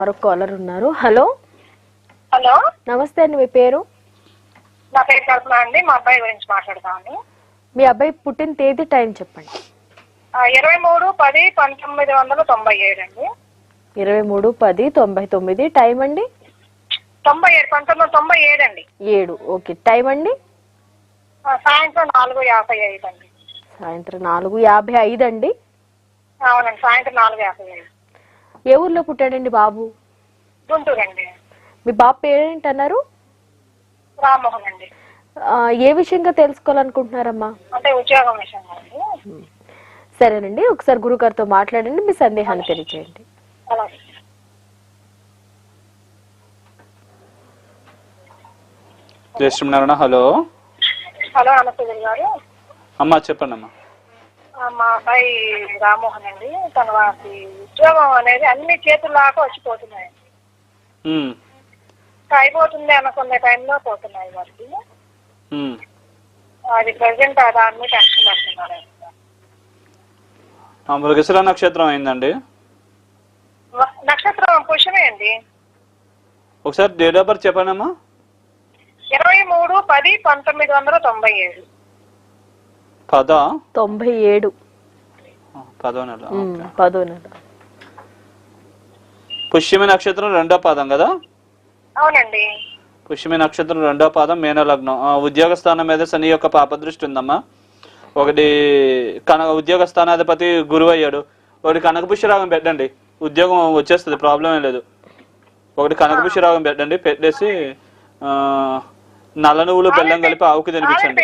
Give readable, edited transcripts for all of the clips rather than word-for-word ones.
మరొక కాలర్ ఉన్నారు. Hello hello, నమస్తే అండి, మీ పేరు? నా పేరు కల్పన అండి. మా అబ్బాయి గురించి మాట్లాడతాను. మీ అబ్బాయి పుట్టిన తేదీ, టైం చెప్పండి. 23/10/1997 అండి. 23/10/99. టైం అండి? 1997 అండి. 7. ఓకే. టైం అండి? సాయంత్రం 4:55 అండి. సాయంత్రం 4:55 అండి. అవునండి, సాయంత్రం 4:55. ఏ ఊర్లో పుట్టాడండి బాబు? గుంటూరు అండి. మీ బాబు పేరేంటి అన్నారు? రామ్మోహన్ అండి. ఏ విషయంగా తెలుసుకోవాలనుకుంటున్నారమ్మా? అంటే ఉద్యోగం విషయంగా అండి. సరేనండి, ఒకసారి గురుగారితో మాట్లాడండి, మీ సందేహాన్ని తెలియజేయండి. అలాగే. హలో హలో, నమస్తే గారు. అమ్మా, చెప్పండి అమ్మా. మా అబ్బాయి రామ్మోహన్ అండి. తన వారి ఉద్యోగం అనేది అన్ని చేతుల్లాగా వచ్చిపోతున్నాయండి. అయిపోతుంది అనుకునే టైంలో పోతున్నాయి వారికి. అది ప్రజెంట్ దాన్ని టెన్షన్ పడుతున్నారు. మృగశిర నక్షత్రం అయిందండి. నక్షత్రం పుష్యమే అండి. ఒకసారి డేట్ ఆఫ్ బర్త్ చెప్పండి అమ్మా. 23/10/1997. 97. 10వ నెల. 10వ నెల. పుష్యమి నక్షత్రం 2వ పాదం కదా? అవునండి. పుష్యమి నక్షత్రం 2వ పాదం, మేన లగ్నం. ఉద్యోగ స్థానం మీద శని యొక్క పాపదృష్టి ఉందమ్మా. ఒకటి ఉద్యోగ స్థానాధిపతి గురువు అయ్యాడు. ఒకటి కనకపుష్యరాగం పెట్టండి, ఉద్యోగం వచ్చేస్తుంది, ప్రాబ్లం ఏం లేదు. ఒకటి కనకపుష్యరాగం పెట్టండి, పెట్టేసి నల్ల నువ్వులు బెల్లం కలిపి ఆవుకి తినిపించండి.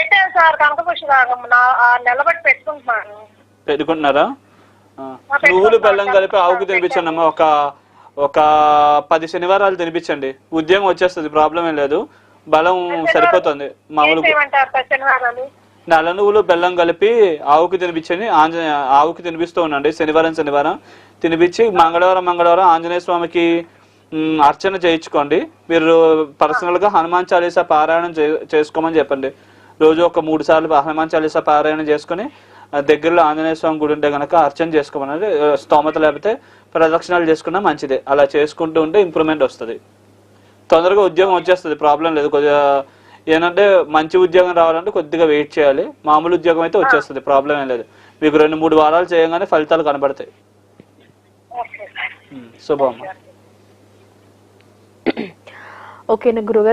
పెట్టుకుంటున్నారా? నువ్వులు బెల్లం కలిపి ఆవుకి తినిపించండి అమ్మా. ఒక 10 శనివారాలు తినిపించండి, ఉద్యోగం వచ్చేస్తుంది, ప్రాబ్లం ఏం లేదు, బలం సరిపోతుంది. మామూలు నల్ల నువ్వులు బెల్లం కలిపి ఆవుకి తినిపించండి. ఆవుకి తినిపిస్తూ ఉండండి శనివారం తినిపించి మంగళవారం ఆంజనేయ స్వామికి అర్చన చేయించుకోండి. మీరు పర్సనల్గా హనుమాన్ చాలీసా పారాయణం చేసుకోమని చెప్పండి. రోజు ఒక 3 సార్లు హనుమాన్ చాలీసా పారాయణం చేసుకుని దగ్గరలో ఆంజనేయ స్వామి గుడి ఉంటే కనుక అర్చన చేసుకోమని, స్తోమత లేకపోతే ప్రదక్షిణాలు చేసుకున్నా మంచిదే. అలా చేసుకుంటూ ఉంటే ఇంప్రూవ్మెంట్ వస్తుంది, తొందరగా ఉద్యోగం వచ్చేస్తుంది, ప్రాబ్లం లేదు. కొద్దిగా ఏంటంటే మంచి ఉద్యోగం రావాలంటే కొద్దిగా వెయిట్ చేయాలి. మామూలు ఉద్యోగం అయితే వచ్చేస్తుంది, ప్రాబ్లం ఏం లేదు. మీకు 2-3 వారాలు చేయగానే ఫలితాలు కనబడతాయి. శుభం. ఓకేనా గురుగారు?